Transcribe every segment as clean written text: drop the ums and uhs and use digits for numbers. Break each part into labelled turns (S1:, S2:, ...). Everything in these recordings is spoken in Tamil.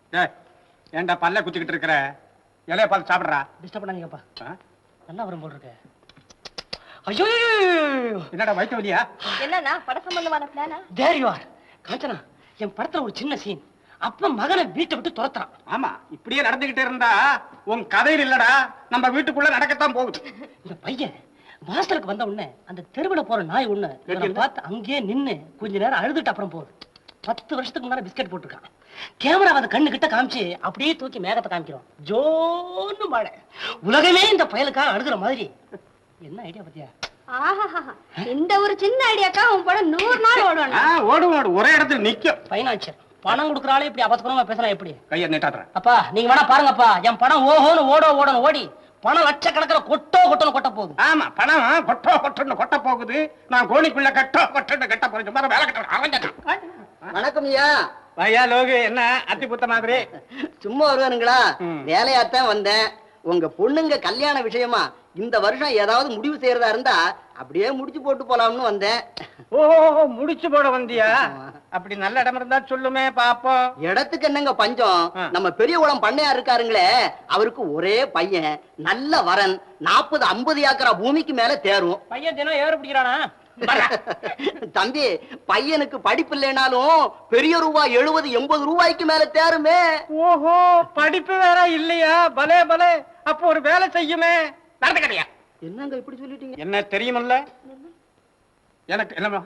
S1: ஏன்டா பல்ல குத்திக்கிட்டு இருக்கிற? இலைய பார்த்து சாப்பிடுறா.
S2: டிஸ்டர்ப் பண்ணாதீங்கப்பா. நல்லா வரும் போல் இருக்கு. ஐயோ
S1: என்னடா வயிற்று வலியா?
S3: என்னன்னா பட சம்பந்தமான பிளானா?
S2: There you are. காஞ்சனா, என் படத்துல ஒரு சின்ன சீன். அப்ப மகனை வீட்டை விட்டு துரத்துறான்.
S1: ஆமா, இப்படியே நடந்துகிட்டே இருந்தா உன் கதையில் இல்லடா, நம்ம வீட்டுக்குள்ள நடக்கத்தான் போகுது.
S2: இந்த பையன் வாசலுக்கு வந்த உடனே அந்த தெருவில் போற நாய் ஒண்ணு பார்த்து அங்கேயே நின்னு கொஞ்ச நேரம் அழுதுட்டு அப்புறம் போகுது. 10 வருஷத்துக்கு முன்னாடி பிஸ்கட் போட்டிருக்கான். கேமரா வந்து கண்ணு கிட்ட காமிச்சு அப்படியே தூக்கி மேகத்தை காமிக்கிறோம். ஜோன்னு மழை. உலகமே இந்த பயலுக்காக அழுகுற மாதிரி. என்ன ஐடியா பத்தியா?
S3: இந்த ஒரு சின்ன ஐடியாக்கா உன் படம் 100 நாள் ஓடுவான்.
S1: ஓடும், ஒரே இடத்துல நிக்கும்.
S2: பைனான்சியர் பணம் கொடுக்குறாலே இப்படி அபத்தமா பேசினா எப்படி?
S1: கையை நீட்டாடுறேன்.
S2: அப்பா நீங்க வேணா பாருங்கப்பா, என் பணம் ஓஹோன்னு ஓடணும் ஓடி பணம் லட்சக்கணக்கில் கொட்டோன்னு கொட்ட போகுது.
S1: ஆமா, பணம் கொட்டோன்னு கொட்ட போகுது. நான் கோணிக்குள்ள கொட்டோன்னு கட்ட போறேன். சும்மா வேலை கட்ட.
S4: வணக்கம் ஐயா.
S1: ஐயா லோகு, என்ன அத்தி புத்த மாதிரி
S4: சும்மா வருவானுங்களா? வேலையாத்தான் வந்தேன். உங்க பொண்ணுங்க கல்யாண விஷயமா இந்த வருஷம் ஏதாவது முடிவு செய்யறதா இருந்தா அப்படியே முடிச்சு போட்டு போலாம்னு வந்தேன்.
S1: ஓ, முடிச்சு போட வந்தியா? அப்படி நல்ல இடம் இருந்தா சொல்லுமே பாப்போம்.
S4: இடத்துக்கு என்னங்க பஞ்சம்? நம்ம பெரிய குளம் பண்ணையா இருக்காருங்களே, அவருக்கு ஒரே பையன், நல்ல வரன், 40-50 ஏக்கரா பூமிக்கு மேல தேரும்.
S2: பையன் தினம் ஏறு பிடிக்கிறானா?
S4: தம்பி, பையனுக்கு படிப்பு இல்லைனாலும் பெரிய ரூபாய் 70-80 ரூபாய்க்கு மேல தேருமே.
S1: ஓஹோ, படிப்பு வேற இல்லையா? பலே பலே, அப்போ ஒரு வேலை செய்யுமே. நடந்து கிடையா?
S4: என்னங்க இப்படி சொல்லிட்டீங்க?
S1: என்ன தெரியுமல்ல, எனக்கு என்ன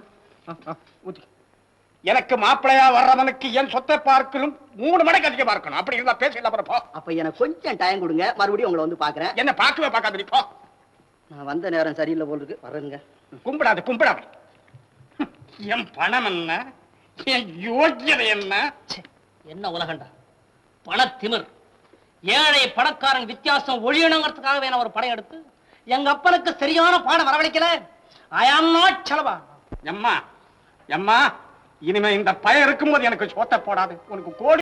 S1: எனக்கு மாப்பிளையா வர்றவனுக்கு என் சொத்தை பார்க்கணும் 3 மடங்கு அதிகம் பார்க்கணும். அப்படி இருந்தா பேசல.
S4: அப்ப எனக்கு கொஞ்சம் டைம் கொடுங்க, மறுபடியும் உங்களை வந்து பாக்குறேன்.
S1: என்ன பார்க்கவே பார்க்காத போ.
S4: நான் வந்த நேரம் சரியில்லை போல் இருக்கு, வரேங்க.
S1: கும்பிடாது. என் பணம் என்ன, என் யோக்கியதை என்ன?
S2: என்ன உலகண்டா பணத்திமிர். ஏழை பணக்காரன் வித்தியாசம் ஒழியணுங்கிறதுக்காகவே நான் ஒரு படம் எடுத்து எங்க அப்பனுக்கு சரியான பாடம் வரவழைக்கல. ஐ ஆம் நாட் செலவா.
S1: எம்மா இனிமே இந்த பயம் இருக்கும்போது எனக்கு சோத்த போடாது. உனக்கு கோடி